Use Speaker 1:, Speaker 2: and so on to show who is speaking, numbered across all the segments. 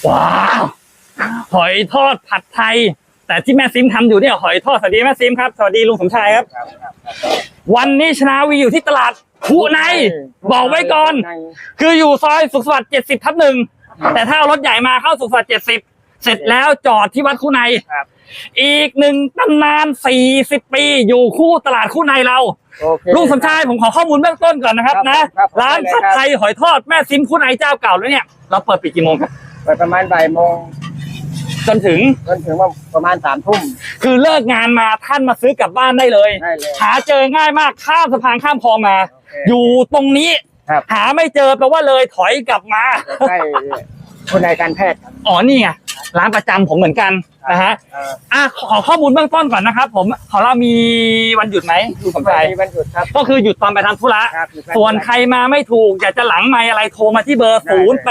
Speaker 1: ว้าวหอยทอดผัดไทยแต่ที่แม่ซิมทำอยู่เนี่ยหอยทอดสวัสดีแม่ซิมครับสวัสดีลุงสมชายครับวันนี้ชนาวีอยู่ที่ตลาดคูในบอกไว้ก่อนคืออยู่ซอยสุขสวัสดิ์70/1แต่ถ้าเอารถใหญ่มาเข้าสุขสวัสดิ์70เสร็จแล้วจอดที่วัดคูในอีกหนึ่งตำนาน40 ปีอยู่คู่ตลาดคูในเราลุงสมชายผมขอข้อมูลเบื้องต้นก่อนนะครับนะร้านผัดไทยหอยทอดแม่ซิมคูในเจ้าเก่าแล้วเนี่ยเราเปิดปิดกี่โมงครับ
Speaker 2: เปิดประมาณบ่ายโมง
Speaker 1: จนถึง
Speaker 2: ว่าประมาณ3 ทุ่ม
Speaker 1: คือเลิกงานมาท่านมาซื้อกลับบ้านได้เลยหาเจอง่ายมากข้ามสะพานข้ามคลองมาอยู่ตรงนี้หาไม่เจอแปลว่าเลยถอยกลับมา
Speaker 2: ใช่คนในการแพทย์
Speaker 1: อ๋อนี่ไงร้านประจำผมเหมือนกันนะฮะขอข้อมูลเบื้องต้นก่อนนะครับผมของเรามีวันหยุดไหมดูสมชาย
Speaker 2: มีวันหยุดครับ
Speaker 1: ก็คือหยุดตอนไปทำธุระส่วนใครมาไม่ถูกอยากจะหลังไมค์อะไรโทรมาที่เบอร์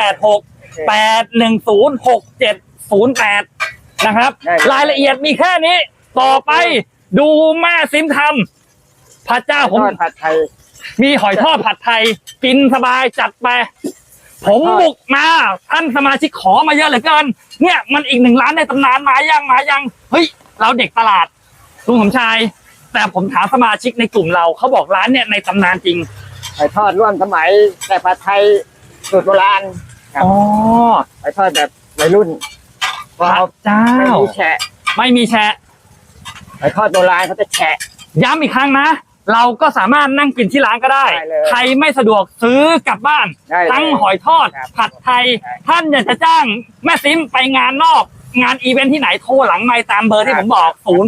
Speaker 1: 0868106708นะครับรายละเอียดมีแค่นี้ต่อไปดูแม่ซิมทำพระเจ้าผม
Speaker 2: ผัดไทย
Speaker 1: มีหอยทอดผัดไทยกินสบายจัดไปผมบุกมาท่านสมาชิกขอมาเยอะเหลือเกินเนี่ยมันอีก1 ร้านในตำนานมายังเฮ้ยเราเด็กตลาดลุงสมชายแต่ผมถามสมาชิกในกลุ่มเราเขาบอกร้านเนี่ยในตำนานจริง
Speaker 2: หอยทอดร่วมสมัยแต่ผัดไทยสูตรโบราณ
Speaker 1: อ๋อ
Speaker 2: หอยทอดแบบวัยรุ่น
Speaker 1: พระเจ้าไม่มีแฉะ
Speaker 2: หอยทอดโบราณเขาจะแฉะ
Speaker 1: ย้ำอีกครั้งนะเราก็สามารถนั่งกินที่ร้านก็ได้ใครไม่สะดวกซื้อกลับบ้านทั้งหอยทอดผัดไทยท่านอยากจะจ้างแม่ซิมไปงานนอกงานอีเวนท์ที่ไหนโทรหลังไมค์ตามเบอร์ที่ผมบอก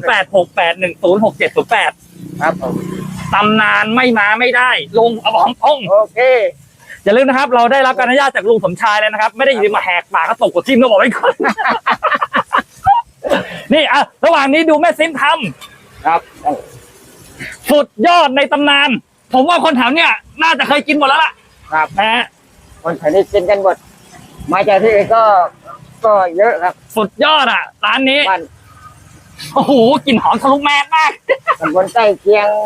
Speaker 1: 0868106708
Speaker 2: ครับผม
Speaker 1: ตำนานไม่มาไม่ได้ลุงเอาบอกตรง
Speaker 2: โอเค
Speaker 1: อย่าลืมนะครับเราได้รับการอนุญาตจากลุงสมชายแล้วนะครับไม่ได้ยินมาแหกปากก็ตกกดทิ่มต้องบอกไว้ก่อนนี่ระหว่างนี้ดูแม่ซิมท
Speaker 2: ำครับ
Speaker 1: สุดยอดในตำนานผมว่าคนแถวเนี้ยน่าจะเคยกินหมดแล้วล่ะ
Speaker 2: ครับ
Speaker 1: นะ
Speaker 2: คนแถวนี้กินกันหมดมาจากที่อื่นก็เยอะครับ
Speaker 1: สุดยอดร้านนี้โอ้โหกลิ่นหอมทะลุแมสมาก
Speaker 2: ตำบลใกล้เคียง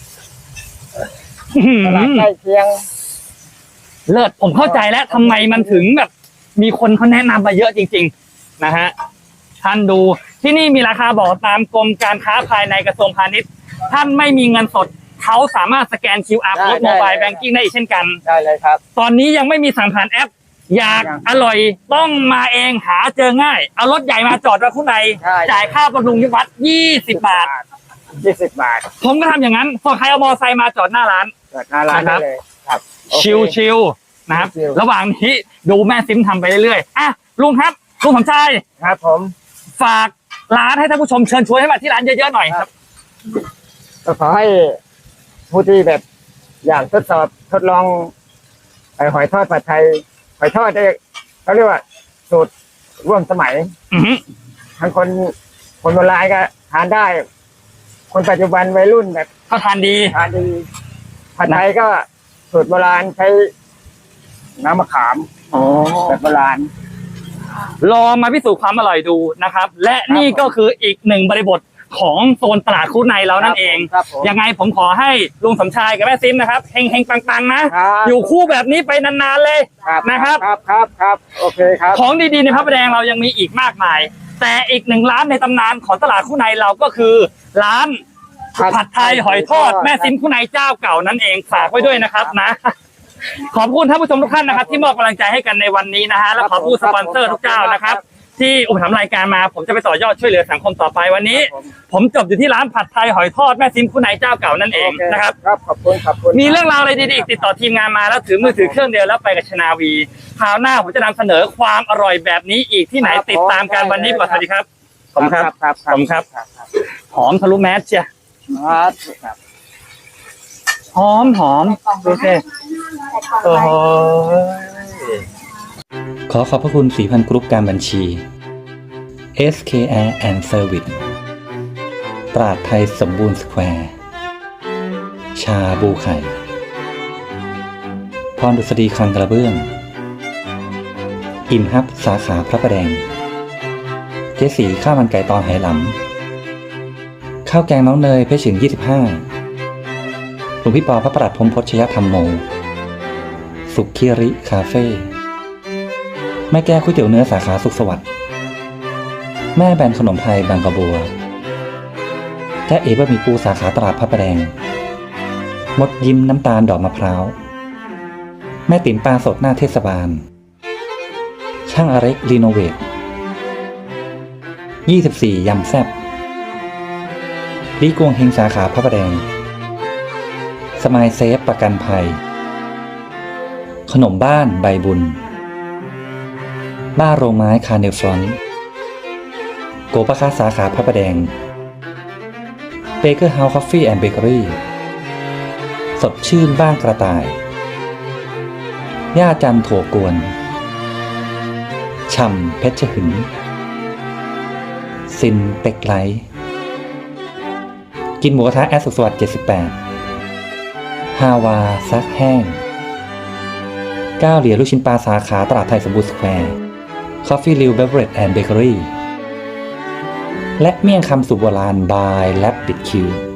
Speaker 2: ตลาดใกล้เคียง
Speaker 1: เลิศผมเข้าใจแล้วทำไมมันถึงแบบมีคนเขาแนะนำมาเยอะจริงๆนะฮะท่านดูที่นี่มีราคาบอกตามกรมการค้าภายในกระทรวงพาณิชย์ท่านไม่มีเงินสดเขาสามารถสแกน QR Code Mobile Banking ได้อีกเช่นกัน
Speaker 2: ได้เลยครับ
Speaker 1: ตอนนี้ยังไม่มีสั่งผ่านแอปอยากอร่อยต้องมาเองหาเจอง่ายเอารถใหญ่มาจอดไว้ข้างในจ่ายค่าบำรุงวัด20 บาทผมก็ทำอย่างนั้นพอใครเอามอไซค์มาจอดหน้าร้าน
Speaker 2: นะครับ
Speaker 1: ชิลๆนะครับระหว่างนี้ดูแม่ซิมทำไปเรื่อยๆลุงครับลุงสมชาย
Speaker 2: ครับผม
Speaker 1: ฝากร้านให้ท่านผู้ชมเชิญชวนให้มาที่ร้านเยอะๆหน่อยครับ
Speaker 2: ก็ขอให้ผู้ที่แบบอยากทดลองหอยทอดผัดไทยหอยทอดเขาเรียกว่าสูตรร่วมสมัยทั้งคนโบราณก็ทานได้คนปัจจุบันวัยรุ่นแบบ
Speaker 1: ก็ทานดี
Speaker 2: ผัดไทยก็สูตรโบราณใช้น้ำมะขามแบบโบราณ
Speaker 1: ลองมาพิสูจน์ความอร่อยดูนะครับและนี่ก็คืออีกหนึ่งบริบทของโซนตลาดคู่ในเรานั่นเองยังไงผมขอให้ลุงสมชายกับแม่ซิมนะครับเฮงๆปังๆนะอยู่คู่แบบนี้ไปนานๆเลยนะครับ
Speaker 2: ครับโอเคครับ
Speaker 1: ของดีๆในพระประแดงเรายังมีอีกมากมายแต่อีก1 ร้านในตำนานของตลาดคู่ในเราก็คือร้านผัดไทยหอยทอดแม่ซิมคู่ในเจ้าเก่านั่นเองฝากไว้ด้วยนะครับนะขอบคุณท่านผู้ชมทุกท่านนะครับที่มอบกำลังใจให้กันในวันนี้นะฮะและขอบคุณสปอนเซอร์ทุกเจ้านะครับที่อุปถัมภ์รายการมาผมจะไปต่อยอดช่วยเหลือสังคมต่อไปวันนี้ผมจบอยู่ที่ร้านผัดไทยหอยทอดแม่ซิมคู่ในเจ้าเก่านั่นเองนะครับ
Speaker 2: ขอบคุณ
Speaker 1: มีเรื่องราวอะไรดีๆติดต่อทีมงานมาแล้วถือมือถือเครื่องเดียวแล้วไปกับชนาวีคราวหน้าผมจะนำเสนอความอร่อยแบบนี้อีกที่ไหนติดตามกันวันนี้ก่อนสวัสดีครับขอบคุณครับหอมทะลุแมสเชียหอมดูสิโอ้โห
Speaker 3: ขอขอบพระคุณสีพันกรุ๊ปการบัญชี SKR and Service ตราดไทยสมบูรณ์สแควร์ชาบูไข่พรดุษฎีคลังกระเบื้องอิ่มฮับสาขาพระประแดงเจ๊สีข้าวมันไก่ตอนไหหลำข้าวแกงน้องเนยเพชรฉึง25หลวงพี่ปอพระประหลัดพรหมพจน์ชยธรรมโมสุขีริคาเฟ่แม่แก้วก๋วยเตี๋ยวเนื้อสาขาสุขสวัสดิ์แม่แบนขนมไทยบางกระบัวและเอ๋บะหมี่ปูสาขาตลาดพระประแดงมดยิ้มน้ำตาลดอกมะพร้าวแม่ติ๋มปลาสดหน้าเทศบาลช่างอเล็กรีโนเวท24ยำแซ่บลีกวงเฮงสาขาพระประแดงสมายเซฟประกันภัยขนมบ้านใบบุญบ้าโรงไม้คาร์เนลฟรอนต์โกปะคาสาขาพระประแดงเบเกอร์เฮาส์คอฟฟี่แอนด์เบเกอรี่สดชื่นบ้านกระต่ายย่าจันถั่วกวนช่ำเพชรหึงซินเป็กไลท์กินหมูกระทะแอดสุขสวัสดิ์78ฮาวาซักแห้ง9 เหรียญลูกชิ้นปลาสาขาตลาดไทยสมบูรณ์สแควร์คอฟฟี่ริวเบเวอเรจแอนด์เบเกอรี่และเมี่ยงคำสูตรโบราณบายแลบบิดคิว